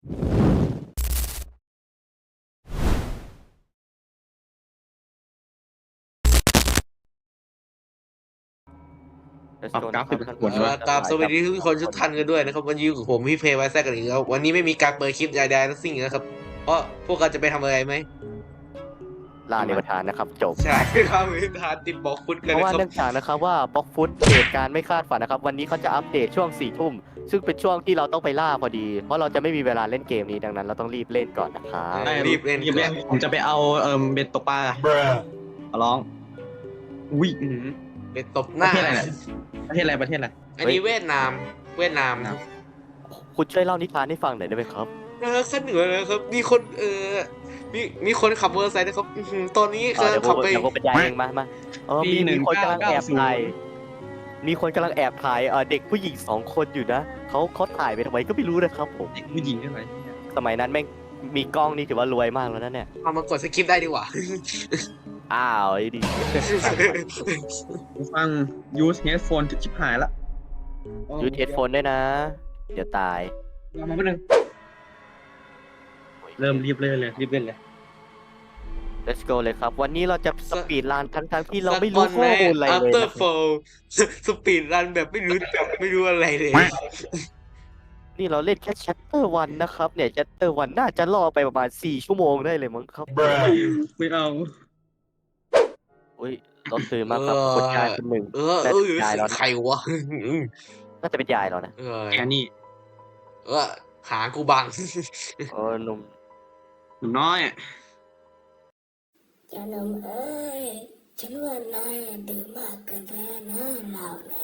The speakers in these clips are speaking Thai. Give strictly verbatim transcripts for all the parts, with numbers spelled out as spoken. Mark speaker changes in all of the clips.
Speaker 1: Let's
Speaker 2: ปรับ
Speaker 1: go
Speaker 2: กรา
Speaker 1: นะค
Speaker 2: ฟิ
Speaker 1: รับ
Speaker 2: ก
Speaker 1: ท่าน
Speaker 2: ผล
Speaker 1: ผู้ช
Speaker 2: วะ
Speaker 1: ม
Speaker 3: กราบสวัสดีทุกคนทุกท่านกันด้วยนะครับวันนี้อยู่กับผมพี่เพย์ไวแซกกันอีกแล้ววันนี้ไม่มีการเปิดคลิปใดๆทั้งสิ้นนะครับเพราะพวกเราจะไปทำอะไรไหม
Speaker 1: ล่าในประธานนะครับจบ
Speaker 3: ใช่ครับมีทานติดบอกฟุตกัน
Speaker 1: เพราะ
Speaker 3: นะ
Speaker 1: ว่า
Speaker 3: ครับ
Speaker 1: เนื่องจากนะครับว่าบล็อกฟุตเหตุการณ์ไม่คาดฝันนะครับ วันนี้เขาจะอัปเดตช่วงสี่ทุ่มซึ่งเป็นช่วงที่เราต้องไปล่าพอดี เพราะเราจะไม่มีเวลาเล่นเกมนี้ดังนั้นเราต้องรีบเล่นก่อนนะครับ
Speaker 3: เออรีบเล่น
Speaker 2: รีบเล่นผมจะไปเอาเอ่อเบ็ดตกปลาขอร้องอุ้ยอื้อหือ
Speaker 3: ไปตบห
Speaker 2: ประ
Speaker 3: น้า
Speaker 2: เทศอะไรเนี่ยประเทศอะไรประเทศอะไร
Speaker 3: อันนี้เวียดนามเวียดนาม
Speaker 1: คุณช่วยเล่านิทานให้ฟังหน่อยได้ไหมครับ
Speaker 3: เออขึ้นเหนือเลยครับมีคนเออมีมีคนขับมอเตอร์ไซค์นะครับอื้อหือตอนนี้
Speaker 1: เออเดี๋ยวผ
Speaker 3: ขับ
Speaker 1: ม
Speaker 3: ไป
Speaker 1: เดี๋ยวผมบรรยายเองมามาเออมีมีคนกำลังแอบถ่ายมีคนกำลังแอบถ่ายเออเด็กผู้หญิงสองคนอยู่นะเขาเขาถ่ายไปทำไมก็ไม่รู้นะครับผม
Speaker 2: เด็กผู้หญิงใช่ไหม
Speaker 1: สมัยนั้นแม่งมีกล้องนี่ถือว่ารวยมากแล้วนะเนี่ย
Speaker 3: เอามากดสคริปต์ได้ดีกว่า
Speaker 1: อ้าวไอ้ดิ
Speaker 2: กูฟัง use headphone ชิบหายละ
Speaker 1: ยูเทสโฟนด้วยนะ เดี๋ยวตาย
Speaker 2: เอามาแป๊บนึงเริ่มรีบเล่นเลยรีบเล่นเลย
Speaker 1: let's go เลยครับ วันนี้เราจะสปีดรันทั้งทั้งๆที่เราไม่
Speaker 3: สั
Speaker 1: รู้
Speaker 3: ก
Speaker 1: ข้อมูลอะไร
Speaker 3: ใน
Speaker 1: เลย
Speaker 3: after
Speaker 1: นะครับ
Speaker 3: fall สปีดรันแบบไม่รู้ไม่รู้อะไรเลย
Speaker 1: นี่เราเล่นแค่ chapter วันนะครับเนี่ย chapter วันน่าจะล่อไปประมาณสี่ชั่วโมงได้เลยมั้งครับ
Speaker 2: ไม่เอา
Speaker 1: อุ้ยรถตื่นมากครับ
Speaker 3: เออ
Speaker 1: คนยายคนหนึ่ง
Speaker 3: เออ
Speaker 1: น่า
Speaker 3: เอ
Speaker 1: จะ
Speaker 3: อ
Speaker 1: เป็นยายแล้ว
Speaker 3: ใคร
Speaker 1: นะ
Speaker 3: วะ
Speaker 1: น่าจะเป็นยายแล้วนะ
Speaker 3: เออ
Speaker 2: แกนี่
Speaker 3: เออหากูบัง
Speaker 1: เออหนุ่ม
Speaker 2: หนุ่มน้อย
Speaker 4: เจ้าหนุ่มเอ้ย ฉันว่านายดื่มมากเกินไปนะเราเนี่ย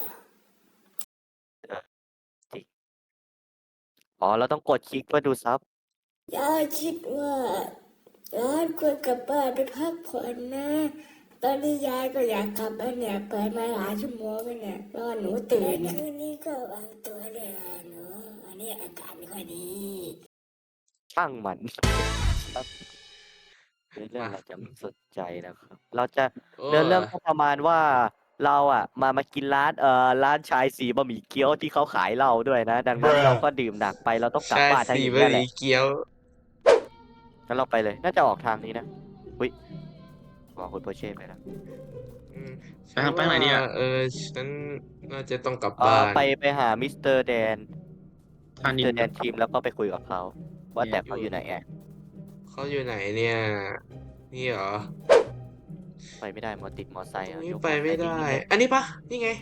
Speaker 1: อ๋อเราต้องกดคลิกเพื่อดูซับ
Speaker 4: ยายคิดว่าย้อนควรกลับบ้านไปพักผ่อนนะ ตอนนี้ยายก็อยากกลับแล้วเนี่ยเปิดมาหลายชั่วโมงแล้วเนี่ยรอหนูตื่นคืนนี้ก็วางตัวเลยหนูอันนี้อากาศไม่ค่อยดี
Speaker 1: ช่างมันครับเรื่องเราจะไม่สนใจนะครับ เราจะเนื้อเรื่องก็ประมาณว่าเราอ่ะ มามากินร้านเอ่อร้านชายสีบะหมี่เกี๊ยวที่เขาขายเหล้าด้วยนะ ดังนั้นเราก็ดื่มหนักไปเราต้องกลับ
Speaker 3: ใช่
Speaker 1: บ้านทั้ง
Speaker 3: สี่
Speaker 1: นี้
Speaker 3: บะ
Speaker 1: แห
Speaker 3: ห
Speaker 1: ละ
Speaker 3: มี่เกี๊ยว
Speaker 1: งั้นเราไปเลย น่าจะออกทางนี้นะอุ้ยบอกคุณโปเช่ไปแล้ว
Speaker 3: อืม
Speaker 2: ไปทางไปไหนดีอ่ะ
Speaker 3: เออฉันน่าจะต้องกลับ
Speaker 1: เอ
Speaker 3: บ้า
Speaker 1: อน ไปไปหามิสเตอร์แดน
Speaker 2: ทา
Speaker 1: มิ
Speaker 2: นิ
Speaker 1: ส
Speaker 2: น
Speaker 1: เตอร์แดนทีมแล้วก็ไปคุยกับเขาว่าแต่เขาอยู่ไหนอ่ะ
Speaker 3: เขาอยู่ไหนเนี่ย นี่เหรอ
Speaker 1: ไปไม่ได้มอติดมอไซค์
Speaker 3: อั
Speaker 1: อ่ะ
Speaker 3: นนี้
Speaker 1: ยก
Speaker 3: ไปไม่
Speaker 1: อเตอ
Speaker 3: ได้
Speaker 1: ร์ซค์
Speaker 3: อันนี้ปะนี่ไง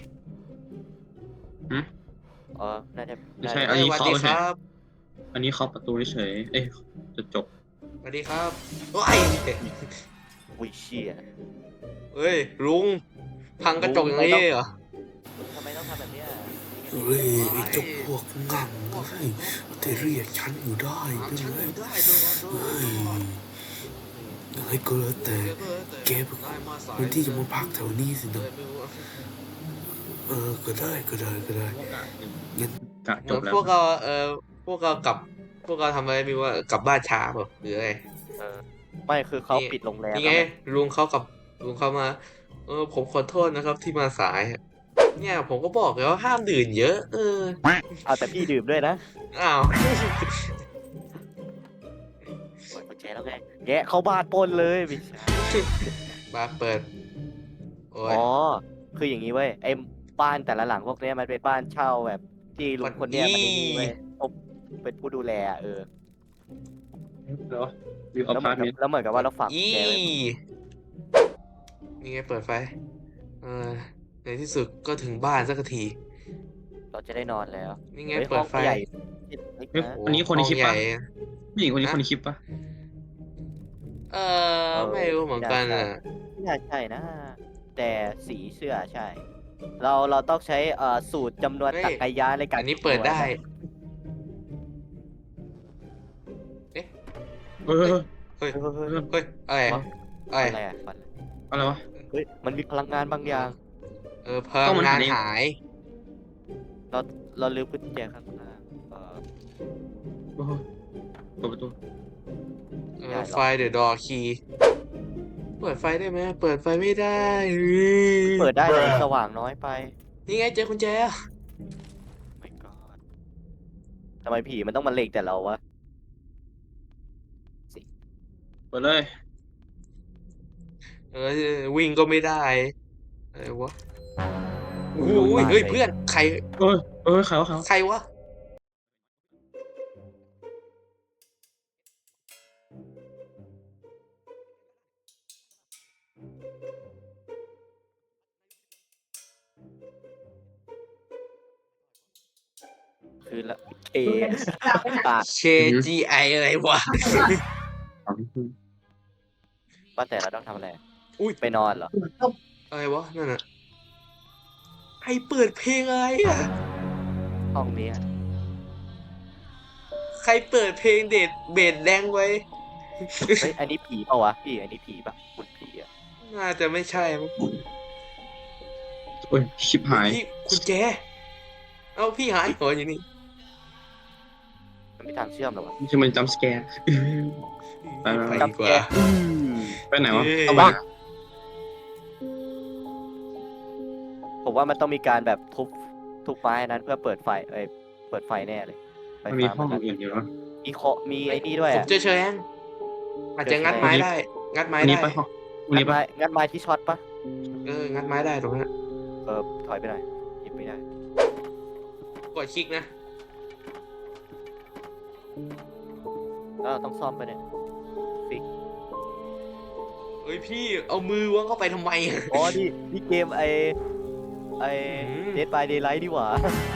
Speaker 1: เออน่าจะ
Speaker 2: ไม่ใช่
Speaker 1: น่า
Speaker 2: อันนี้
Speaker 3: สวัส
Speaker 2: เคาะ
Speaker 3: ดี
Speaker 2: ไม่
Speaker 3: ค
Speaker 2: ใช่
Speaker 3: รับ
Speaker 2: อันนี้เคาะประตูเฉยเอ้ยจะจบ
Speaker 3: สวัสดีครับโอ้ย
Speaker 1: อุ้ยเชี่ย
Speaker 3: เฮ้ยลุงพังกระจกอย่างนี้เหรอ
Speaker 1: ทำไมต้องทำแบบเนี้ย
Speaker 5: เฮ้ยไอ้เจ้าพวกงั่งเฮ้ยแต่เรียกฉันอยู่ได้ด้วย
Speaker 3: ฉัน
Speaker 5: เล
Speaker 3: อย ยู่ได้ด้วยนะด้ว
Speaker 5: เฮ้
Speaker 3: ย
Speaker 5: ยยังไงก็แล้วแต่แกเป็นคนที่จะมาพักแถวนี้สินะเออก็ได้ก็ได้ก็ได้งั้น
Speaker 2: กะ
Speaker 3: เห
Speaker 2: จ
Speaker 3: มื
Speaker 2: บ
Speaker 3: อน
Speaker 2: แล้ว
Speaker 3: พวกเราเออพวกเรากลับ พวกเราทำอะไรไมีว่ากลับบ้านช้าเปล่าหรืออะไร
Speaker 1: เออไม่คือเขา
Speaker 3: นี่
Speaker 1: ปิดโรงแรม
Speaker 3: นี่ไง
Speaker 1: แล้วนะ
Speaker 3: ลุงเขากับลุงเขามา เออผมขอโทษนะครับที่มาสาย เนี่ยผมก็บอกแล้วห้ามดื่มเยอะ เออ
Speaker 1: เอาแต่พี่ดื่มด้วยนะ
Speaker 3: อ้าว
Speaker 1: เปิดกุญแจแล้วไงแกะเข้าบ้านปล้นเลยไม่ใช่
Speaker 3: มาเปิด โอ้ย
Speaker 1: อ๋อคืออย่างนี้เว้ยไอ้บ้านแต่ละหลังพวกเนี้ยมันเป็นบ้านเช่าแบบ ที่ลุงคนเนี้ยมันนี่เว้ยผมเป็นผู้ดูแลอะเออ
Speaker 2: เหรอวิวอ
Speaker 1: แล้วเหมื
Speaker 2: พา
Speaker 1: อ
Speaker 2: ร์
Speaker 1: น
Speaker 2: ตเม
Speaker 1: กับ
Speaker 2: นต์
Speaker 1: แล้วเหมือนกับว่าเราฝากกุญ
Speaker 3: อี
Speaker 1: แจไว้
Speaker 3: นี่ไงเปิดไฟ เออ ในที่สุดก็ถึงบ้านสักที
Speaker 1: เราจะได้นอนแล้ว
Speaker 3: นี่ไง
Speaker 1: ฮ้ย
Speaker 3: เปิดไฟ
Speaker 1: ห้องใหญ่
Speaker 2: เฮ้ยอันนี้คนในคลิป
Speaker 3: ห้
Speaker 2: ปะ
Speaker 3: องใหญ่
Speaker 2: ผู้หญิงคนนี้คนในคลิปปะ
Speaker 3: เออ ไม่รู้เหมือนกันอ่ะ
Speaker 1: ไม่น่าใช่นะ แต่สีเสื้อใช่ เราเราต้องใช้เอ่อสูตรจำนวน
Speaker 3: เฮ้ย
Speaker 1: ตักกายะในการ
Speaker 3: อันนี้เปิดได้
Speaker 2: เออ
Speaker 3: เฮ้ย
Speaker 1: เฮ้ยเฮ้ยเฮ้ย
Speaker 3: เฮ้ย อะไร
Speaker 1: วะ
Speaker 3: อะไร
Speaker 1: อะไรอะฟัน
Speaker 2: อะไรวะ
Speaker 1: เฮ้ยมันมีพลังงานบางอย่าง
Speaker 3: เออพลังงานหาย
Speaker 1: เราเราลืมกุญแจข้างหน้าเออ
Speaker 2: โอ้โหเปิดประตู
Speaker 3: เอ
Speaker 1: ได้
Speaker 3: อ
Speaker 1: หรอ
Speaker 3: ไฟเดอะดอคีเปิดไฟได้ไหมเปิดไฟไม่ได้
Speaker 1: เปิดได้แต่มันสว่างน้อยไป
Speaker 3: นี่ไงเจอกุญแจ
Speaker 1: ไม่ก็ทำไมผีมันต้องมาเล็งแต่เราวะ
Speaker 2: ไปเลย
Speaker 3: เออวิ่งก็ไม่ได้อะไรวะโอ้โห
Speaker 1: ลงมา
Speaker 3: เฮ้ย
Speaker 1: เลย
Speaker 3: เพื่อนใคร
Speaker 2: เออเออเขาเขา
Speaker 3: ใครวะ
Speaker 1: คือละเออ่ะ
Speaker 3: เชจีไออะไรวะ
Speaker 1: ว่าแต่เราต้องทำอะไร
Speaker 3: อุ้ย
Speaker 1: ไปนอนเหรอ
Speaker 3: อะไรวะนั่นน่ะใครเปิดเพลงอะไรอ่ะ
Speaker 1: ห้องนี้
Speaker 3: ใครเปิดเพลงเด็ดเบสแรงไว้
Speaker 1: เฮ้ยอันนี้ผีเปล่าวะพี่อันนี้ผีปะคุณผีอ่ะ
Speaker 3: น่าจะไม่ใช่มั้ง
Speaker 2: โอ้ยชิบหาย
Speaker 3: พี่คุณแจ เอ้าพี่หายหัวอยู่นี่
Speaker 1: มันไม่ทางเชื่อมหรอวะ
Speaker 2: นี่คือมันจัมป์สแกร์ ไป
Speaker 3: ไป
Speaker 2: ไป
Speaker 3: ดีกว่า
Speaker 1: อืม
Speaker 2: ไปไหนวะ
Speaker 3: เอ้ย
Speaker 2: เอาบ้าง
Speaker 1: ผมว่ามันต้องมีการแบบทุบทุบไม้นั้นเพื่อเปิดไฟเอ้ยเปิดไฟแน่เลยไฟ
Speaker 2: มันมี
Speaker 1: ฟ้า
Speaker 2: ห้อง
Speaker 1: มัน
Speaker 2: อื่นอยู่วะ
Speaker 1: มีเคาะมีไอ้นี่ด้วย
Speaker 3: ผม
Speaker 1: อ่ะ
Speaker 3: เจอเชยแอนอาจจะงัดไม้ได้ งัดไม้
Speaker 2: อันนี้
Speaker 3: ได้
Speaker 2: ปะห้องอัน
Speaker 1: งั
Speaker 2: นี้
Speaker 1: ด
Speaker 2: ปะ
Speaker 1: ไม้งัดไม้ที่ช็อตปะ
Speaker 3: เออ งัดไม้ได้ตรงนั้น
Speaker 1: เออถอยไปหน่อยหยิบไม่ได้
Speaker 3: กดคลิกนะ
Speaker 1: แล้วเราต้องซ่อมไปเนี่ยฟิก
Speaker 3: เฮ้ยพี่เอามือวางเข้าไปทำไมอะ
Speaker 1: อ๋อนี่นี่เกมไอไอ
Speaker 3: อืม
Speaker 1: เดดบายเดย์ไลท์ดีกว่า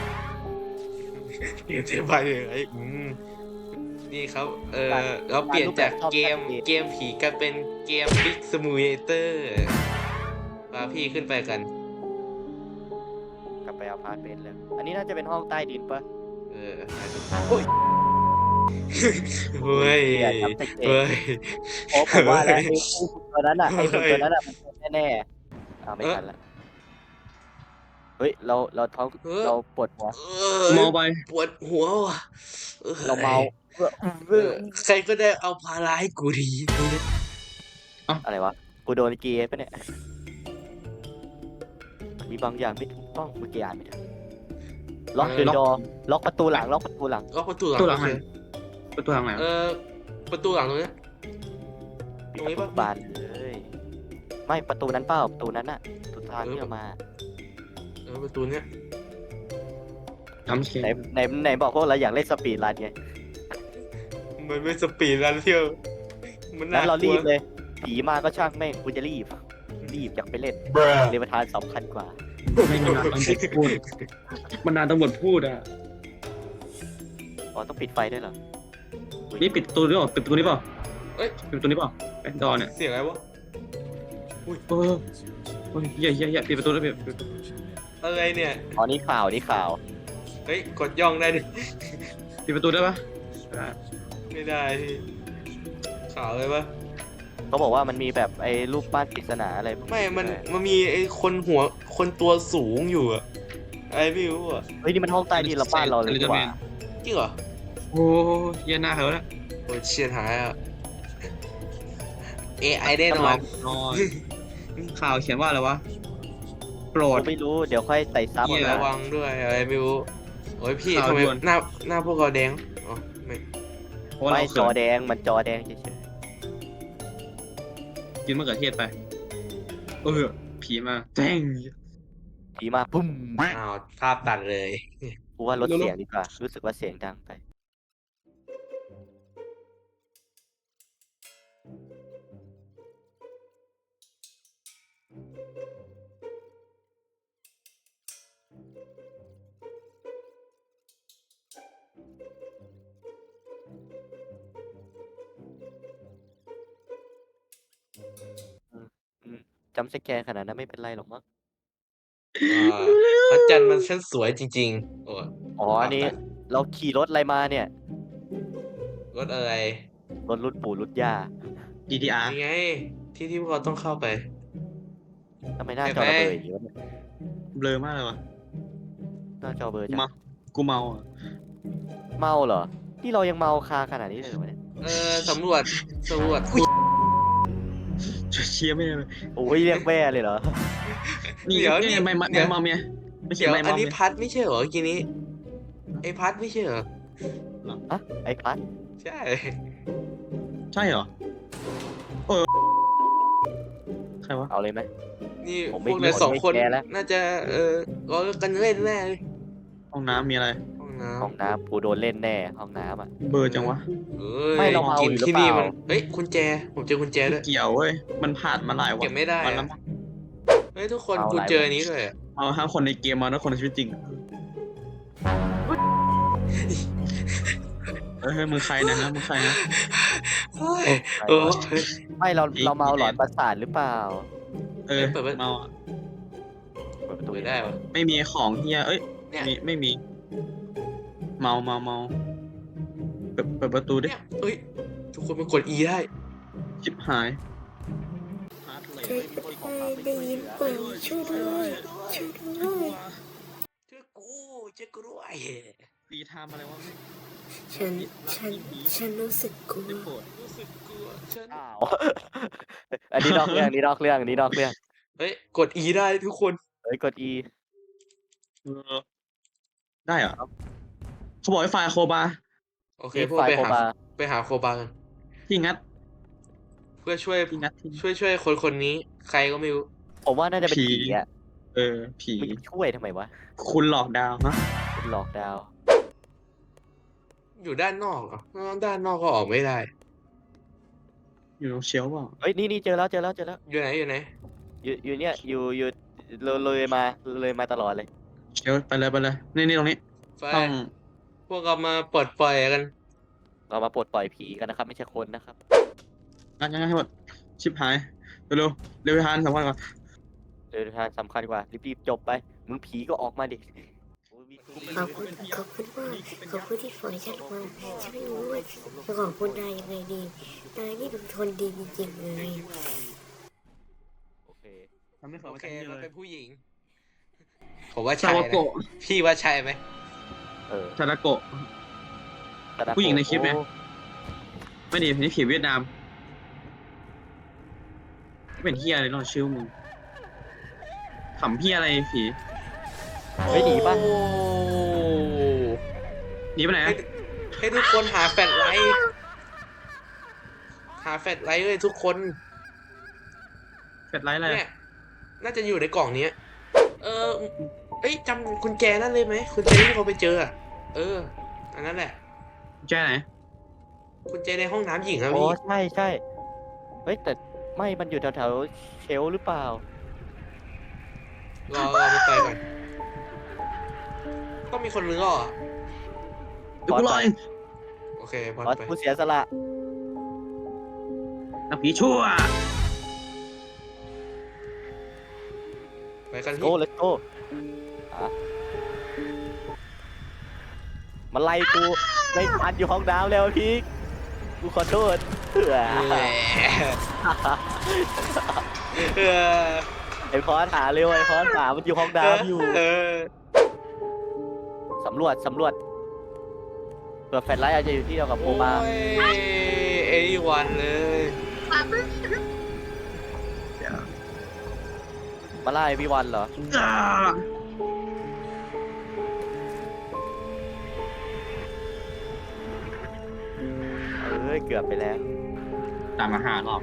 Speaker 3: เปลี่ยนเทปไปเลยไอ้อืมนี่ครับ เออเราเปลี่ยนจากเกมเกมผีกลายเป็นเกม Big Simulator พาพี่ขึ้นไปกัน
Speaker 1: กลับไปเอาพาร์ทเมนต์เลยอันนี้น่าจะเป็นห้องใต้ดินปะ
Speaker 3: เออโอ้ยเฮ้ย
Speaker 1: อย่าทำแต่เกม
Speaker 3: เฮ้ย
Speaker 1: โอ้ผมว่าแล้ว
Speaker 3: เฮ้
Speaker 1: ไอ้
Speaker 3: ย
Speaker 1: หุ่นตัวนั้นอ่ะไอ้หุ่นตัวนั้นอ่ะมันเป็นแน่ๆอ่าไม่
Speaker 3: เออ
Speaker 1: ทันละเฮ้ยเราเราท้อง
Speaker 3: เออ
Speaker 1: เราปวดหัว
Speaker 3: เออ
Speaker 2: มองไป
Speaker 3: ปวดหัวว่ะออ
Speaker 1: เราเมาเออ
Speaker 3: เอ
Speaker 1: เอ
Speaker 3: อ
Speaker 1: อ
Speaker 3: ใครก็ได้เอาพาราให้กูดี
Speaker 1: อะไรวะกูโดนเกย์ปะเนี่ยมีบางอย่างไม่ถูกต้องเมื่อกี้อ่านไม่ทันล็อกเดอะดอล็อกประตูหลังล็อกประตูหลัง
Speaker 3: ก็ประตูหลัง
Speaker 2: ประตูหลัง
Speaker 3: โอเค
Speaker 2: ประตูทางไหน
Speaker 3: เออประตูหลังตรงเนี้ย ตรงนี้ปะ
Speaker 1: บานเลยไม่ประตูนั้นเปล่าประตูนั้นน่ะประตูทางที่เรามา
Speaker 3: เออประตูเนี้ย
Speaker 2: จัมป์สแก
Speaker 1: ไหน
Speaker 2: ร์
Speaker 1: ไหนไหนบอกพวกเราอยากเล่นสปีดรันไง
Speaker 3: มันไม่สปีดรันเที่ยวมัน
Speaker 1: งั้
Speaker 3: น่าน
Speaker 1: เรา
Speaker 3: กลั
Speaker 1: รี
Speaker 3: ว
Speaker 1: บเลย ผีมาก็ช่างแม่งกูจะรีบ รีบอยากไปเล่นเรประธานสำคัญกว่า
Speaker 2: ไม่นานตำรวจพูดมันนานตำรวจพูดอ่ะ
Speaker 1: อ๋อต้องปิดไฟด้วยเหรอ
Speaker 2: นี่ปิดประตูหรือเปล่าปิดประตูนี้เปล่า
Speaker 3: เอ้ย
Speaker 2: ปิดประตูนี้เปล่าไอ้ดอเนี่ย
Speaker 3: เสียงอะไรวะ
Speaker 2: เออโอ้ยเหี้ยเหี้ยเหี้ยปิดประตูแล้วปิดปิด
Speaker 3: อะไรเนี่ย
Speaker 1: อ๋อนี่ข่าวนี่ข่าว
Speaker 3: เฮ้ยกดย่องได้ดิ
Speaker 2: ปิดประตูได้ปะได้
Speaker 3: ไม่ได้พี่ข่าวเลยปะ
Speaker 1: เขาบอกว่ามันมีแบบไอ้รูปปั้นปริศนาอะไรพวก
Speaker 3: ไม่มัน
Speaker 1: ด้วย
Speaker 3: มันมีไอ้คนหัวคนตัวสูงอยู่อะอะไรไม่รู้อะ
Speaker 1: เฮ้ยนี่มันห้องใต้ดินเราบ้านเราเลยดีกว่า
Speaker 3: จริงเหรอ
Speaker 2: โอ้ยเหี้ยหน้าเขาแล้ว
Speaker 3: โอ้ยเชียดหายอะ เอ ไอ แน่นอน
Speaker 2: นอนข่าวเขียนว่าอะไรวะโปรด
Speaker 1: ไม่รู้เดี๋ยวค่อยไต่ซับ
Speaker 2: เหี้ย
Speaker 1: เอา
Speaker 3: ระ
Speaker 1: นะ
Speaker 3: วังด้วยอะไรไม่รู้ โอ้ยพี่
Speaker 2: ข่าว
Speaker 3: ทำไม
Speaker 2: ด่วน
Speaker 3: หน้าหน้าพวกเราแดงอ๋อไม่
Speaker 2: เพราะว่า
Speaker 1: ไม่
Speaker 2: เรา
Speaker 1: จอ
Speaker 2: เขิน
Speaker 1: แดงมันจอแดงเฉย
Speaker 2: กินมะเขือเทศไปเออผีมาแจ้ง
Speaker 1: ๆผีมาปุ้ม
Speaker 3: อ้าวภาพตัดเลย
Speaker 1: กูว่าลดเสียงดีกว่ารู้สึกว่าเสียงดังไป จำสแกนขนาดนั้นไม่เป็นไรหรอกมั้ง
Speaker 3: อ่าพระจันทร์มันช่างสวยจริงๆ โอ้ย
Speaker 1: อ๋ออันนี้เราขี่รถอะไรมาเนี่ย
Speaker 3: รถอะไร
Speaker 1: รถรุ่นปู่รุ่นย่า
Speaker 2: ดี ดี อาร์
Speaker 3: นี่ไง ที่ที่พวกเราต้องเข้าไป
Speaker 1: ทำไมหน้าจอเราเบลออย่างนี้วะเนี่ย
Speaker 2: เบลอมากเลยวะ
Speaker 1: หน้าจอเบลอ
Speaker 2: กู
Speaker 1: จัง
Speaker 2: เมากูเมาอ่ะ
Speaker 1: เมาเหรอที่เรายังเมาคาขนาดนี้เลยเหรอวะเนี่ย
Speaker 3: เออสำรวจสำรวจ
Speaker 2: เชียร์ไม่เลย
Speaker 1: โอ้ยเรียกแม่เลยเหรอ
Speaker 2: นี่
Speaker 3: เดี๋ยวนี่
Speaker 2: นี่ไม่ไม่
Speaker 3: เดี๋ยว
Speaker 2: ไม่เมาเมียไม่ใช่
Speaker 3: เดี๋ยว
Speaker 2: ไม่
Speaker 3: อัน
Speaker 2: เมา
Speaker 3: นี้
Speaker 2: เมีย
Speaker 3: พัดไม่ใช่เหรอกีนี้ ไอพัดไม่ใช่เหรอ
Speaker 1: อะไอ้พัด
Speaker 3: ใช่
Speaker 2: ใช่เหรอใครวะ
Speaker 1: เอาเลยไหม
Speaker 3: นี่
Speaker 1: ผม
Speaker 3: พ
Speaker 1: ไม่
Speaker 3: วกนายสองคน
Speaker 1: ไม่แคร์แล้ว
Speaker 3: น่าจะเออล้อกันเล่นแน่เลย
Speaker 2: ห้องน้ำมีอะไร
Speaker 3: ห้องน้
Speaker 1: ห้องน้ำกูโดนเล่นแน่ห้องน้ำอ่ะ
Speaker 2: เบอร์จังวะ
Speaker 3: ำเอ้ย
Speaker 1: ไม่เราเมา
Speaker 3: กิน
Speaker 1: อยู่หรือ
Speaker 3: ที่นี่
Speaker 1: เป
Speaker 3: มั
Speaker 1: ล่า
Speaker 3: นเอ้ยกุญแจผมเจอกุญแจด้วย
Speaker 2: เกี่ยวเว้ยมันผ่านมาหลายวัน
Speaker 3: เก็บไม่ได้
Speaker 2: วัน
Speaker 3: อะ
Speaker 2: แล้วมั้ง
Speaker 3: เฮ้ยทุกคน
Speaker 1: เอา
Speaker 3: กู
Speaker 1: อะไร
Speaker 3: เจออันนี้ด้วยอะ
Speaker 2: เอาห้าคนในเกมมาแล้วคนในชีวิตจริงเฮ้ยเฮ้ยมึงใครนะฮะมึงใครนะ
Speaker 3: เฮ้ย
Speaker 1: โอ้
Speaker 3: เออ
Speaker 1: ไม่เรา
Speaker 2: อีก
Speaker 1: เราเมา
Speaker 2: อีก
Speaker 1: หลอนประสาทหรือเปล่า
Speaker 2: เออ
Speaker 3: เปิดไว้
Speaker 2: เมาอะ
Speaker 1: เปิดประตู
Speaker 3: เปิดได้ปะ
Speaker 2: ไม่มีของเฮียเอ้ย
Speaker 3: เนี่ย
Speaker 2: มีไม่มี เมาเมาเมาเปิดเปิดประตูดิ
Speaker 3: เนี่ยเอ้ยทุกคนมันกด E ได้
Speaker 2: ชิบหาย
Speaker 4: เคยได้ยินเปล่าช่วยด้วยช่วยด้วย
Speaker 3: เจอกูเจอกูด้วย
Speaker 2: ปีทำอะไรวะไม่
Speaker 4: ฉันฉันฉันรู้สึกกลัว
Speaker 2: ได้โปรด
Speaker 3: รู้สึกกลัวฉัน
Speaker 1: อ้าว อันนี้นอกเรื่องอันนี้นอกเรื่องอันนี้นอกเรื่อง
Speaker 3: เฮ้ยกด E ได้ทุกคน
Speaker 1: เฮ้ยกด E
Speaker 2: เออได้เหรอเขาบอกให้ไฟล์โคบา
Speaker 3: โอเค
Speaker 1: นี่
Speaker 3: พวก
Speaker 1: ไฟ
Speaker 3: ไป
Speaker 1: โค
Speaker 3: หา
Speaker 1: บา
Speaker 3: ไปหาโคบากัน
Speaker 2: ที่งัด
Speaker 3: เพื่อช่วย
Speaker 2: ที่งัดที่
Speaker 3: ช่วยช่วยคนคนนี้ ใครก็ไม่รู้
Speaker 1: ผมว่าน่าจะเป็น
Speaker 2: ผี
Speaker 1: ผีอ่ะ
Speaker 2: เออ ผี
Speaker 1: มึงจะช่วยทำไมวะ
Speaker 2: คุณหลอกดาวฮะ
Speaker 1: หลอกดาว
Speaker 3: อยู่ด้านนอกเหรอด้านนอกก็ออกไม่ได้
Speaker 2: อยู่ตรงเชลฟ์เปล่า
Speaker 1: เฮ้ยนี่นี่เจอแล้วเจอแล้วเจอแล้ว
Speaker 3: อยู่ไหนอยู่ไหน
Speaker 1: อยู่อยู่เนี่ยอยู่อยู่เลยเลยมาเลยมาตลอดเลย
Speaker 2: เชลฟ์ไปเลยไปเลย นี่นี่ตรงนี้
Speaker 3: ไป
Speaker 2: ต้อง
Speaker 3: พวกเรามาปลดปล่อยกัน
Speaker 1: เรามาปลดปล่อยผีกันนะครับ ไม่ใช่คนนะครับ
Speaker 2: งัดงัดให้หมด ชิบหาย เร็วเร็วเร็วไปทานสำคัญกว่า
Speaker 1: เดินทางสำคัญกว่ารีบๆจบไปมึงผีก็ออกมาดิโอ้ยมี
Speaker 4: ขอบคุณขอบคุณมากขอบคุณที่ปล่อยฉันมาฉันไม่รู้ว่าจะขอบคุณนายยังไงดีนายนี่เป็นคนดีจริงๆเลย
Speaker 1: โอเค
Speaker 2: ทำให้เขา
Speaker 3: โอ
Speaker 2: ไป
Speaker 3: เค
Speaker 2: ทำนี่
Speaker 3: มัน
Speaker 2: เล
Speaker 3: เป็
Speaker 2: ย
Speaker 3: นผู้หญิง ผมว่า
Speaker 2: ซา
Speaker 3: ใช่
Speaker 2: วา
Speaker 3: นะ
Speaker 2: โกะ
Speaker 3: พี่ว่าใช่ไหม
Speaker 1: เออ
Speaker 2: ซาดาโกะ
Speaker 1: ตะดาโกะ
Speaker 2: ผู้หญิงในคลิปไง
Speaker 1: โอ้
Speaker 2: ไม่ดีนี่ผีเวียดนาม เป็นเฮียอะไรนอนชื่อมึงขำเฮียอะไรผี
Speaker 1: เฮ้ยหนีปะ
Speaker 3: โอ้
Speaker 2: หนีไปไหน
Speaker 3: ให้
Speaker 2: อะ
Speaker 3: ให้ทุกคนหาแฟลชไลท์หาแฟลชไลท์เลยทุกคน
Speaker 2: เฟดไลท์อะไร
Speaker 3: เนี่ย น่าจะอยู่ในกล่องเนี้ย เออ เอ้ยจำกุญแจนั่นเลยไหมกุญแจที่เราไปเจออะเออ อันนั้นแหละ
Speaker 2: แจ้ไหน
Speaker 3: กุญแจในห้องน้ำหญิงอะ
Speaker 1: โอ้
Speaker 3: พี่
Speaker 1: ใช่ใช่เฮ้ยแต่ไม่มันอยู่แถวๆเชลฟ์หรือเปล่าร
Speaker 3: อรอไปไปก่อนต้องมีคนนึงอ่ะ
Speaker 2: เดี๋ยวกูรอเอง
Speaker 3: โอเคบอล
Speaker 1: อ๋อ
Speaker 3: ไป
Speaker 1: กูเสียสละ
Speaker 2: นักผีชั่ว
Speaker 3: ไปกัน
Speaker 1: โก้
Speaker 3: พี่
Speaker 1: เลตโก้อะมาไล่กูไล่พันอยู่ห้องน้ำแล้วพี่กูขอโทษเผื่อ
Speaker 3: แหมเออ
Speaker 1: ไอพอสหาเร็วไอพอสหามันอยู่ห้องน้ำอยู่
Speaker 3: เออ
Speaker 1: สำรวจสำรวจเผื่อแฟลชไลท์อาจจะอยู่ที่เดียวกับโพ
Speaker 3: โอ้
Speaker 1: มาย
Speaker 3: เอวันเลย
Speaker 1: มาไล่พี่วันเหรอ
Speaker 2: อ่า
Speaker 1: เอ้ยเกือบไปแล้ว
Speaker 2: ตามมาหารอบ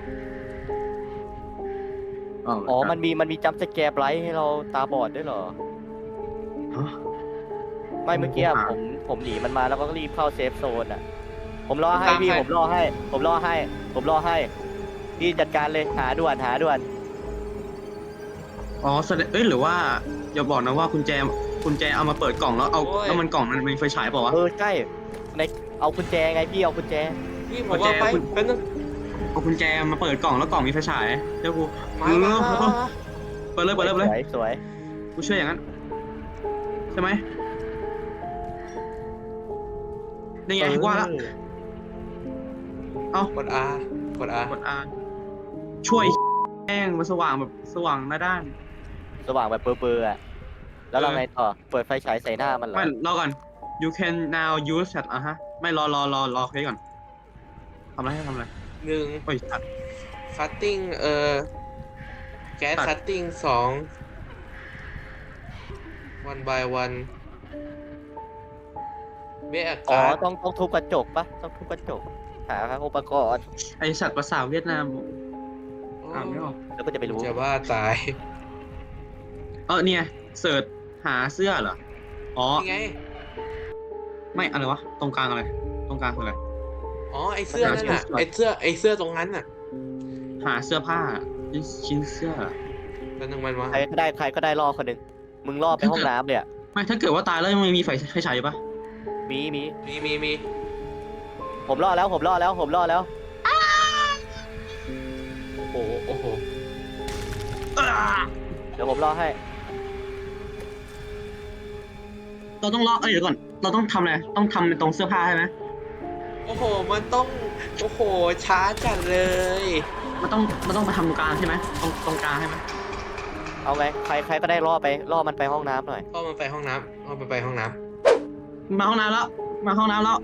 Speaker 1: อ๋อมันมีมันมีจัมป์สแกร์ไบรท์ให้เราตาบอดด้วยเหรอ
Speaker 2: ฮะ
Speaker 1: ไม่เมื่อกี้อะ
Speaker 2: ผม
Speaker 1: ผมผมหนีมันมาแล้วก็รีบเข้าเซฟโซนอ่ะ ผมรอให้
Speaker 3: ตาม
Speaker 1: พี่
Speaker 3: ให้
Speaker 1: ผมรอให้ ผมรอให้ ผมรอให้พี่จัดการเลยหาด่วนหาด่วน
Speaker 2: อ๋อแสดงเอ้ยหรือว่าอย่าบอกนะว่าคุณแจคุณแจเอามาเปิดกล่องแล้วเอา
Speaker 3: โอ้ย
Speaker 2: แล้วมันกล่องมันมีไฟฉายเปล่าวะ
Speaker 1: เออใช่ในเอากุญแจไงพี่เอากุญแจ
Speaker 3: พี่ผมว่าไป
Speaker 2: กุญแจ
Speaker 3: เป็นนึง
Speaker 2: เอาคุณแจมาเปิดกล่องแล้วกล่องมีไฟฉายเดี๋ยวกู
Speaker 3: มามามามา
Speaker 2: เปิดเลยเปิดเลยเปิด
Speaker 1: ส
Speaker 2: เลย
Speaker 1: วยสวย
Speaker 2: กูเชื่ออย่างนั้นใช่ไหมนี่ไงว่าละ
Speaker 1: เออ
Speaker 3: กด R กด R
Speaker 2: กดอาช่วยแห้งมันสว่างแบบสว่างหน้าด้าน
Speaker 1: สว่างแบบเบอร์ๆอ่ะแล้วเรา
Speaker 2: เออ
Speaker 1: ไงต่อเปิดไฟฉายใส่หน้ามันเหรอ
Speaker 2: ไม่รอก่อน you can now use that อ่ะฮะไม่รอรอรอรอเคสก่อนทำอะไรให้ทำอะไร
Speaker 3: หนึ่ง
Speaker 2: โอ้ยตัด
Speaker 3: คัตติ้งเอ่อแก๊ส
Speaker 2: ตัด
Speaker 3: คัตติ้งสอง one by one เบอา
Speaker 1: อ๋อก
Speaker 3: าศ
Speaker 1: ต้องต้องทุบกระจกปะต้องทุบกระจกหาอุปกรณ์
Speaker 2: ไอสัตว์ภาษาทเวียดนาม
Speaker 3: โอ้
Speaker 2: อ่านไม่ออก
Speaker 1: แล้วก็จะไปรู้
Speaker 3: จะว่าตาย
Speaker 2: เออเนี่ยเสิร์ชหาเสื้อเหรออ๋อ
Speaker 3: นี่ไง
Speaker 2: ไม่อะไรวะตรงกลางอะไรตรงกลางคืออะไร
Speaker 3: อ๋อไอเสื้อนั่นน่ะไอเสื้อไอเสื้อตรงนั้นน่ะ
Speaker 2: หาเสื้อผ้าชิ้นเสื้อ
Speaker 3: แล้วนึงมันวะ
Speaker 1: ใครก็ได้ใครก็ได้ล่อคนหนึ่งมึงล่อไปห้องน้ำเลยอะ
Speaker 2: ไม่ถ้าเกิดว่าตายแล้วยังไม่มีไฟไฟฉายอยู่ปะ
Speaker 1: มีมี
Speaker 3: มีมีมี
Speaker 1: ผมล่อแล้วผมล่อแล้วผมล่อแล้ว
Speaker 3: โอ้โหโอ้โห
Speaker 1: เดี๋ยวผมล่อให้
Speaker 2: เราต้องเลาะเอ้ยเดี๋ยวก่อนเราต้องทำอะไรต้องทำเป็นตรงเสื้อผ้าใช่ไหม
Speaker 3: โอ้โหมันต้องโอ้โหช้าจัดเลย
Speaker 2: มันต้องมันต้องไปทำตรงกลางใช่ไหมตรงตรงกลางใช่ไหม
Speaker 1: เอาไงใครใครก็ได้ล่อไปล่อมันไปห้องน้ำหน่อย
Speaker 3: พ่อมันไปห้องน้ำพ่อมันไปห้องน้
Speaker 2: มาห้องน้ำแล้วมาห้องน้ำแล้ว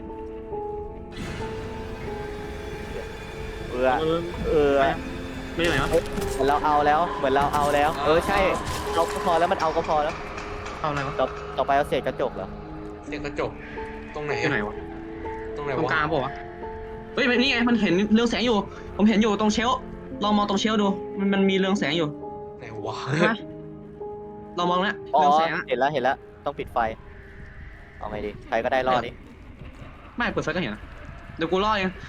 Speaker 1: เออ
Speaker 2: เออ
Speaker 1: เออ
Speaker 2: ไม่ไหนวะ
Speaker 1: เหมือนเราเอาแล้วเหมือนเราเอาแล้ว เออใช่เอาก็พอแล้วมันเอาก็พอแล้ว
Speaker 2: เอาอะไรวะ
Speaker 1: ต่อต่อไปเอาเศษกระจกเหรอ
Speaker 3: ำเสียงกระจกตรงไหน
Speaker 2: ที่
Speaker 3: อะ
Speaker 2: ไหนวะ
Speaker 3: ตรงไหน
Speaker 2: ตรง
Speaker 3: วะ
Speaker 2: กลางเปล่าวะเฮ้ยนี่ไงมันเห็นเรืองแสงอยู่ ผมเห็นอยู่ตรงเชลฟ์ลองมองตรงเชลฟ์ดูมันมันมีเรืองแสงอยู่
Speaker 3: ไหนวะ
Speaker 2: เห็นไหมลองมองแล้ว
Speaker 1: อ๋อ
Speaker 2: เรืองแสงอะ
Speaker 1: เห็นแล้วเห็นแล้วต้องปิดไฟเอาไงดีใครก็ได้ล่อดิ
Speaker 2: ไม่เปิดไฟก็เห็นนะเดี๋ยวกูล่อเอง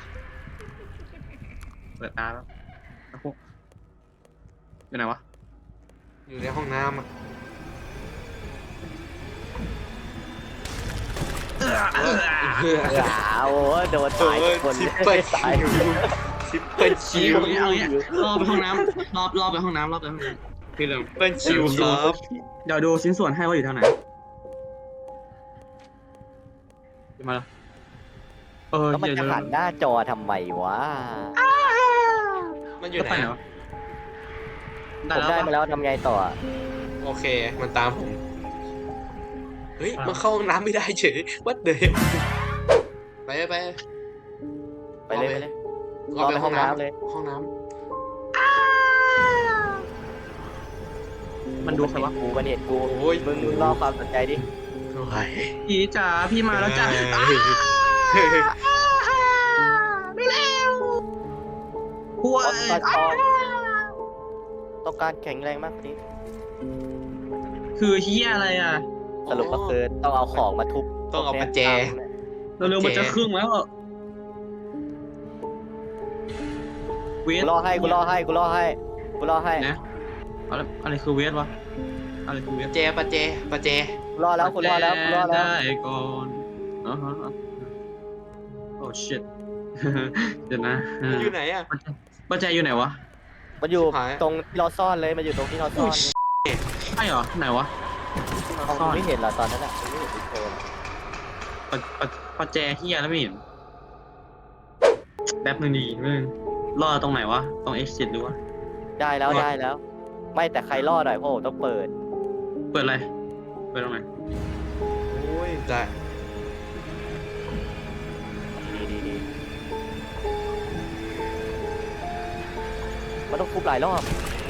Speaker 2: เปิดตาแล้วแล้วพวกอยู่ไหนวะ
Speaker 3: อยู่ในห้องน้ำอะ
Speaker 2: เออเออ
Speaker 3: เพื่อ
Speaker 1: อ้าวโอ้โดนตายทุกคน
Speaker 3: ซิป
Speaker 1: เล
Speaker 3: เปิล
Speaker 1: ยตาย
Speaker 3: ชิวซิปเปิลชิว
Speaker 2: เอาอย่างเงี้ยเอาอย่างเงี้ยรอไปห้องน้ำรอรอไปห้องน้ำรอไปห้องน้ำพี่เริ่ม
Speaker 3: ซิปเปิลชิวครับ
Speaker 2: เดี๋ยวดูชิ้นส่วนให้ว่าอยู่ทางไหนมาแล้วเออ
Speaker 1: แล้วมัน
Speaker 2: เดี๋ยว
Speaker 1: จะ
Speaker 2: เดี๋ยว
Speaker 1: หันหน้าจอทำไมวะ
Speaker 3: มันอยู่
Speaker 2: จะ
Speaker 3: ไหน
Speaker 2: ไปไหน
Speaker 3: อะ
Speaker 2: วะ
Speaker 1: ผมได้มา
Speaker 2: ปะ
Speaker 1: แล้วทำไงต่อ
Speaker 3: โอเคมันตามผมเฮ้ยมันเข้าห้องน้ำไม่ได้เฉยวัดเดยไปไป
Speaker 1: ไปเลยไปเลย
Speaker 3: เราไปห้องน้ำ
Speaker 1: เลย
Speaker 3: ห้องน้
Speaker 2: มันดูใครวะ
Speaker 1: กูมันเห็นกู
Speaker 3: ำโอ้ย
Speaker 1: มึงมึงรอความสนใจดิ
Speaker 3: โอ้ย
Speaker 2: พี่จ๋าพี่มาแล้วจ้ะ
Speaker 3: เฮ้ย
Speaker 2: ไม่เร็วหัว
Speaker 1: ต้องการทองต้องการแข็งแรงมากกว่านี้
Speaker 2: คือเฮียอะไรอ่ะ
Speaker 1: สรุปก็คือต้องเอาของมาทุบ
Speaker 3: ต้องเอาประแจ
Speaker 2: เร็วๆมันจะครึ่งแล้วอะเว
Speaker 1: กู
Speaker 2: ท
Speaker 1: รอให้กูรอให้กูรอให้กูรอให้
Speaker 2: นะอะไรอะไรคือเวทวะอะไรคือเวท
Speaker 3: ประแจประแจประแจ
Speaker 1: กูรอแล้วกูรอแล้วกูรอแล้ว
Speaker 2: ได้ก่อนอ๋อฮะโอ้ shit เดี๋ยวนะ
Speaker 3: มันอยู่ไหนอะ
Speaker 2: ปัจจัยอยู่ไหนวะ
Speaker 1: มันอยู่
Speaker 3: หาย
Speaker 1: ตรงที่เราซ่อนเลยมันอยู่ตรงที่เราซ่อน
Speaker 2: ใช่เหรอไหนวะ
Speaker 1: เอากูไม่เห็นเหรอตอนนั้นอ่ะกูไม่เห็นทุกคน
Speaker 2: ปัจปัจปัจแจเฮียแล้วไม่เห็นแป๊บนึงดีมึงรอตรงไหนวะตรง exit หรือวะ
Speaker 1: ได้แล้วได้แล้ว ไม่แต่ใครรอดหน่อยเพราะผมต้องเปิด
Speaker 2: เปิดอะไรเปิดตรงไหน
Speaker 3: โอ้ยได้
Speaker 1: ดีดีดีมันต้องทุบหลายรอบ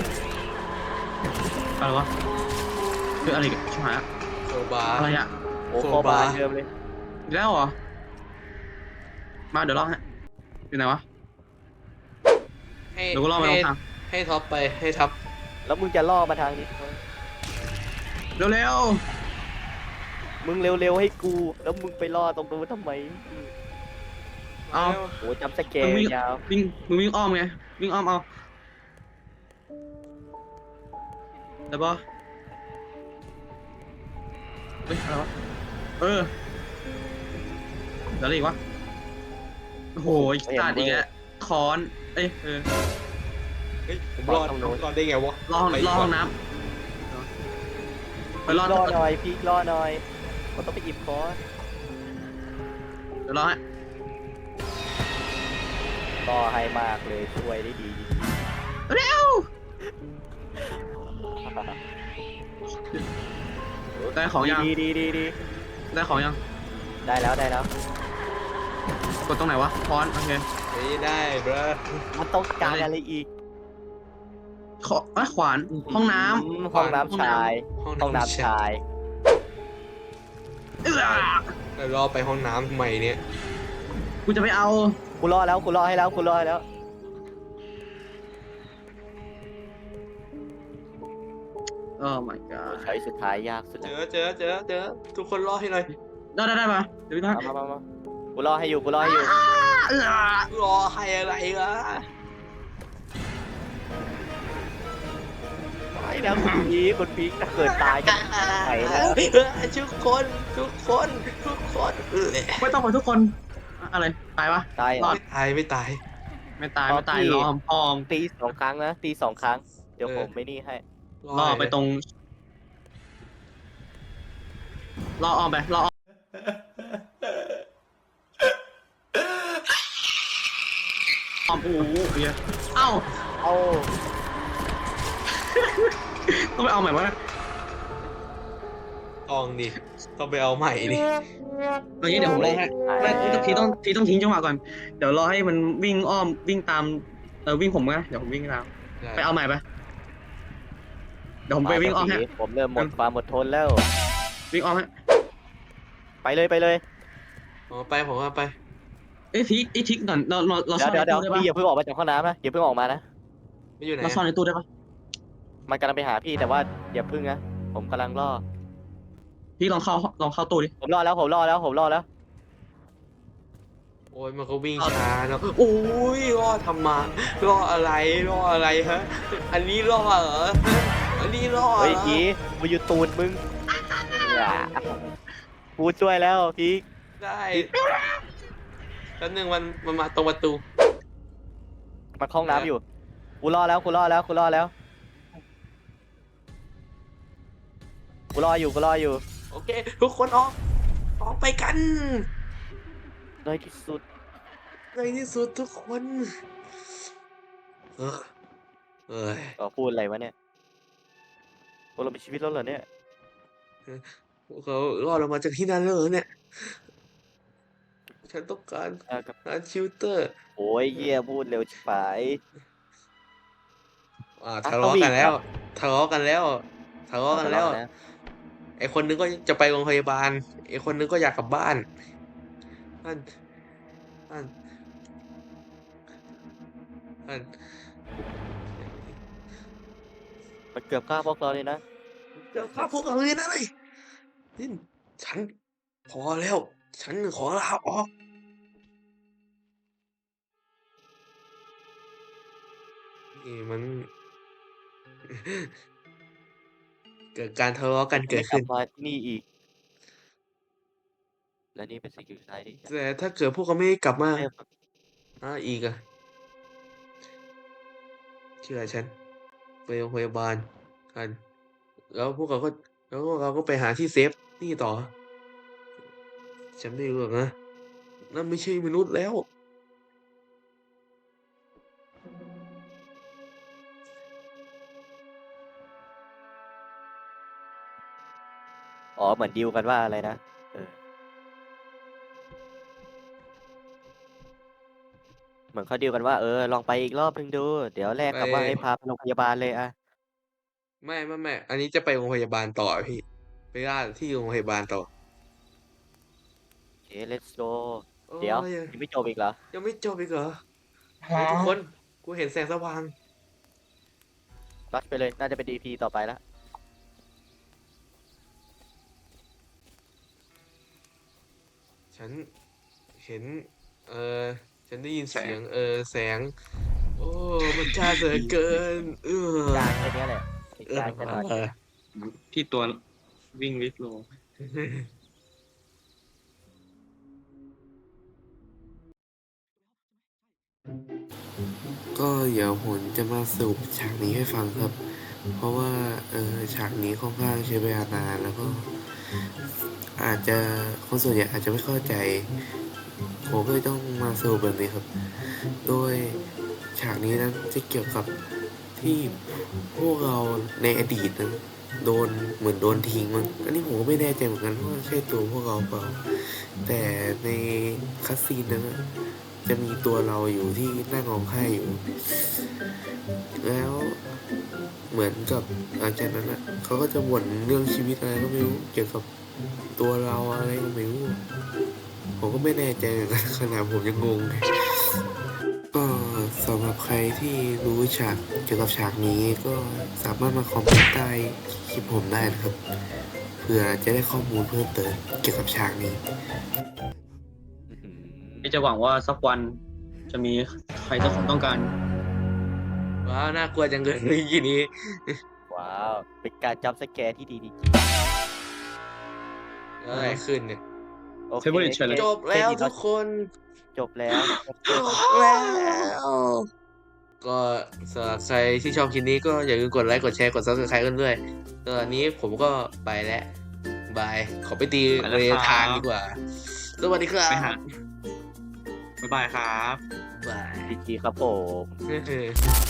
Speaker 2: อะไรวะคืออะไรกันชิบหายละ
Speaker 3: โซบา
Speaker 2: อะไรอ่ะ
Speaker 1: โอ้
Speaker 3: โซ
Speaker 1: โคบา
Speaker 3: บา
Speaker 1: เดิมเลย
Speaker 2: อีกแล้วเหรอมาเดี๋ยวรอให้อยู่ไหนวะ
Speaker 3: ให้
Speaker 2: เดี๋ยวกูรอไปล
Speaker 3: ให้
Speaker 2: งทาง
Speaker 3: ให้ท็อปไปให้ท็อป
Speaker 1: แล้วมึงจะล่อมาทางนี้
Speaker 2: เร็ว
Speaker 1: มึงเร็วๆให้กู แล้วมึงไปล่อตรงนู้นทำไม
Speaker 2: ๆเอา
Speaker 1: โอ้จำสแก
Speaker 2: มึง
Speaker 1: น
Speaker 2: วิ่ง
Speaker 1: ยาว
Speaker 2: วิ่งมึงวิ่งอ้อมไงวิ่งอ้อมเอาได้ปะเฮ้ยอะไรวะเออเดี๋ยวอะไรอีกวะโอ้โหอีกตาดอีกแล้วค้อนเอ้ยเออ
Speaker 3: เฮ้ยผมรอดรอดได้ไงวะ
Speaker 2: รอห้อง
Speaker 3: ไป
Speaker 2: รอ
Speaker 3: ก่
Speaker 2: ห้
Speaker 3: อ
Speaker 2: อน งน้ำไปรอ
Speaker 1: ล่อหน่อยพี่ล่อหน่อยมันต้องไปหยิบคอน
Speaker 2: เดี๋ยวรอให้
Speaker 1: ล่อให้มากเลยช่วยได้ดี
Speaker 2: เร็วได้ของยัง
Speaker 1: ดีดีดีดี
Speaker 2: ได้ของยัง
Speaker 1: ได้แล้วได้แล้ว
Speaker 2: กดตรงไหนวะค้อนโอเค
Speaker 3: ไม่ได้บร
Speaker 1: มันต้องการอะไรอีก
Speaker 2: ขอเอ้ยขวานห้องน้
Speaker 1: อืมห้องน้ำชาย
Speaker 3: ห้อง
Speaker 1: ห้องน้ำชาย
Speaker 2: ำเอื้อ
Speaker 3: แล้วรอไปห้องน้ำทำไมเนี่ย
Speaker 2: กูจะไปเอา
Speaker 1: กูรอแล้วกูรอให้แล้วกูรอให้แล้ว
Speaker 2: โอ้ my god
Speaker 1: ใช้สุดท้ายยากสุด
Speaker 3: เจ
Speaker 1: แล้ว
Speaker 3: อเจอเจอเจอทุกคนรอให้หน่อย
Speaker 2: ได้ได้ได้มาเดี๋ยวพี่ทัก
Speaker 1: มามามากูรอให้อยู่กูรอให้อยู่
Speaker 3: รอให้อะไรล่ะ
Speaker 1: ไอ้แล้วคุณพีคคุณพีคถ้าเกิดตายก็ไปแล้ว
Speaker 3: ทุกคนทุกคนทุกคนเออ
Speaker 2: ไม่ต้องไปทุกคนอะไรตายปะ
Speaker 1: ตาย
Speaker 2: รอ
Speaker 1: อ่ะ
Speaker 2: ด
Speaker 3: ไม่ตายไม่ตาย
Speaker 2: ไม่ตายไม่ตายรอมพอม
Speaker 1: ตีสองครั้งนะตีสองครั้งเดี๋ยว
Speaker 3: เออ
Speaker 1: ผมไม่นี่ให้
Speaker 2: รอไปตรงรอออมไปรอออมออมโอ้โหเหี้ยเอ้า
Speaker 1: เอา
Speaker 2: ต้องไปเอาใหม่วะนะ
Speaker 3: ตองดิต้องไปเอาใหม่ดิ
Speaker 2: เอางี้เดี๋ยวผมรอให้ไม่ทีต้องทีต้องทิ้งจังหวะก่อนเดี๋ยวรอให้มันวิ่งอ้อมวิ่งตามเออวิ่งผมนะเดี๋ยวผมวิ่งตามไปเอาใหม่ไปเดี๋ยวผมไปวิ่งอ้อมให้
Speaker 1: ผมเริ่มหมดความอดทนแล้ว
Speaker 2: วิ่งอ้อมให้
Speaker 1: ไปเลยไปเลย
Speaker 3: ผมเอาไปผมเอาไป
Speaker 2: เอ้ยพีคไอ้ทิกก่อนเราเราเราซ่
Speaker 1: เดี๋
Speaker 2: อย น
Speaker 1: วเดี๋ยว
Speaker 2: ใน
Speaker 1: เดี๋ยว
Speaker 2: ตู้ได้
Speaker 1: พี่อย่า
Speaker 2: ปะ
Speaker 1: เพิ่งออกมาจากห้องน้ำนะอย่าเพิ่งออกมานะ
Speaker 3: ไม่อยู่ไหน
Speaker 2: เราซ่อนในตู้ได้ปะ
Speaker 1: มันกำลังไปหาพี่แต่ว่าอย่าเพิ่งนะผมกำลังรอ
Speaker 2: พี่ลองเข้าลองเข้าตู้ดิ
Speaker 1: ผมรอแล้วผมรอแล้วผมรอแล้ว
Speaker 3: โอ้ยมันก็วิ่งช้าเนาะโอ้ยรอทำมารออะไรรออะไรฮะ อันนี้รอเหรออันนี้รอเหร
Speaker 1: เฮ้ย
Speaker 3: อ
Speaker 1: พีมาอยู่ตูดมึงอย่ากูช่วยแล้วพี
Speaker 3: ได้แล้วหนึ่งมันมันมาตรงประตู
Speaker 1: มาเข้าห้องน้ำอยู่กูรอแล้วกูรอแล้วกูรอแล้วกูรออยู่กูรออยู่
Speaker 3: โอเค ทุกคนออกออกไปกัน
Speaker 1: ในที่สุด
Speaker 3: ในที่สุดทุกคนเออเอ้ย
Speaker 1: ก็พูดอะไรวะเนี่ยพวกเรามีชีวิตแล้วเหรอเนี่ย
Speaker 3: พวกเขารอดออกมาจากที่นั่นแล้วเหรอเนี่ย ฉันต้องการ
Speaker 1: อ่ากับ
Speaker 3: หาชิลเตอร์
Speaker 1: โอ้ยเยี่ยพูดเร็วชิบหาย
Speaker 3: อ่าทะเลาะกันแล้วทะเลาะกันแล้วทะเลาะกันแล้ว
Speaker 1: นะ
Speaker 3: ไอคนนึงก็จะไปโรงพยาบาลไอคนนึงก็อยากกลับบ้านนั่นนั่นนั่น
Speaker 1: มันเกือบฆ่าพวกเราเลยนะ
Speaker 3: เดี๋ยวข้าพวกเราเลยนะเลยนี่ฉันพอแล้ว ฉันขอลาออกนี่มัน เกิดการทะเลาะกันเกิดขึ้น
Speaker 1: ไม่กลับมาที่นี่อีก และนี่เป็นสิ่งที่ท้ายที่
Speaker 3: แต่ถ้าเกิดพวกเขาไม่กลับมา
Speaker 1: เริ่ม
Speaker 3: อ่าอีกอะเชื่อฉันไปโรงพยาบาลกัน แล้วพวกเราก็แล้วพวกเราก็ไปหาที่เซฟนี่ต่อ ฉันไม่รู้หรอกนะนั่นไม่ใช่มนุษย์แล้ว
Speaker 1: อ๋อเหมือนดีลกันว่าอะไรนะเออเหมือนเขาดีลกันว่าเออลองไปอีกรอบนึงดู เดี๋ยวแลกกับว่า
Speaker 3: ไป
Speaker 1: ให้พาไปโรงพยาบาลเลยอะ
Speaker 3: ไม่ไม่ไม่อันนี้จะไปโรงพยาบาลต่อพี่ ไปล่าที่โรงพยาบาลต่อ
Speaker 1: โอเค let's go
Speaker 3: โอ้
Speaker 1: เดี๋ยวย ยังไม่จบอีกเหรอ
Speaker 3: ยังไม่จบอีกเหรอเฮ้ยทุกคนกูเห็นแสงสว่าง
Speaker 1: รัดไปเลยน่าจะเป็น ดี พี ต่อไปละ
Speaker 3: ฉันเห็น เออฉันได้ยินเสียง เออแสง โอ้มันจ้าเหลือเกิน เออ
Speaker 1: จางแค่เนี้ยแหละไอ้
Speaker 3: เออ
Speaker 1: จางแค่น้อย
Speaker 3: เออ
Speaker 2: พี่ตัววิ่งลิฟต์โล
Speaker 5: ก็เดี๋ยวผมจะมาสรุปฉากนี้ให้ฟังครับ เพราะว่าเออฉากนี้ค่อนข้างใช้เวลานานแล้วก็ อาจจะคนส่วนใหญ่อาจจะไม่เข้าใจ ผมก็เลยต้องมาสรุปแบบนี้ครับ โดยฉากนี้นั้นจะเกี่ยวกับที่พวกเราในอดีตนั้นโดนเหมือนโดนทิ้งมันอันนี้ผมก็ไม่แน่ใจเหมือนกันว่าใช่ตัวพวกเราเปล่า แต่ในคัสซีนนั้นอะจะมีตัวเราอยู่ที่นั่งร้องไห้อยู่ แล้วเหมือนกับหลังจากนั้นอ่ะเขาก็จะบ่นเรื่องชีวิตอะไรก็ไม่รู้เกี่ยวกับตัวเราอะไรก็ไม่รู้ ผมก็ไม่แน่ใจเหมือนกันขนาดผมยังงงเลยก็สำหรับใครที่รู้ฉากเกี่ยวกับฉากนี้ก็สามารถมาคอมเมนต์ใต้คลิปผมได้นะครับเพื่อจะได้ข้อมูลเพิ่มเติมเกี่ยวกับฉากนี้
Speaker 1: อื้อหือ
Speaker 2: ที่จะหวังว่าสักวันจะมีใครสักคนต้องการ
Speaker 3: ว้าวน่ากลัวจังเลยทีนี้
Speaker 1: ว้าว เป็นการจัมป์สแกร์ที่ดีจริง
Speaker 3: แล้วอะไรขึ้นเนี่ย
Speaker 1: ๆโอเค
Speaker 2: Favorite challenge
Speaker 3: จบแล้วทุกคน
Speaker 1: จบแล้ว
Speaker 3: จบแล้ว ก็สำหรับใครที่ชอบคลิปนี้ก็อย่าลืมกดไลค์กดแชร์กด ซับสไครบ์ กันด้วยตอนนี้ผมก็ไปแล้วบาย ขอไปตี
Speaker 2: ไปแล้ว
Speaker 3: เร
Speaker 2: ครับ
Speaker 3: ทานดีกว่า สวัสดีครั
Speaker 2: ไป
Speaker 3: บ
Speaker 2: หาบ๊ายบายครับ
Speaker 3: บาย
Speaker 1: ดีจีครับผม
Speaker 3: เฮ้ย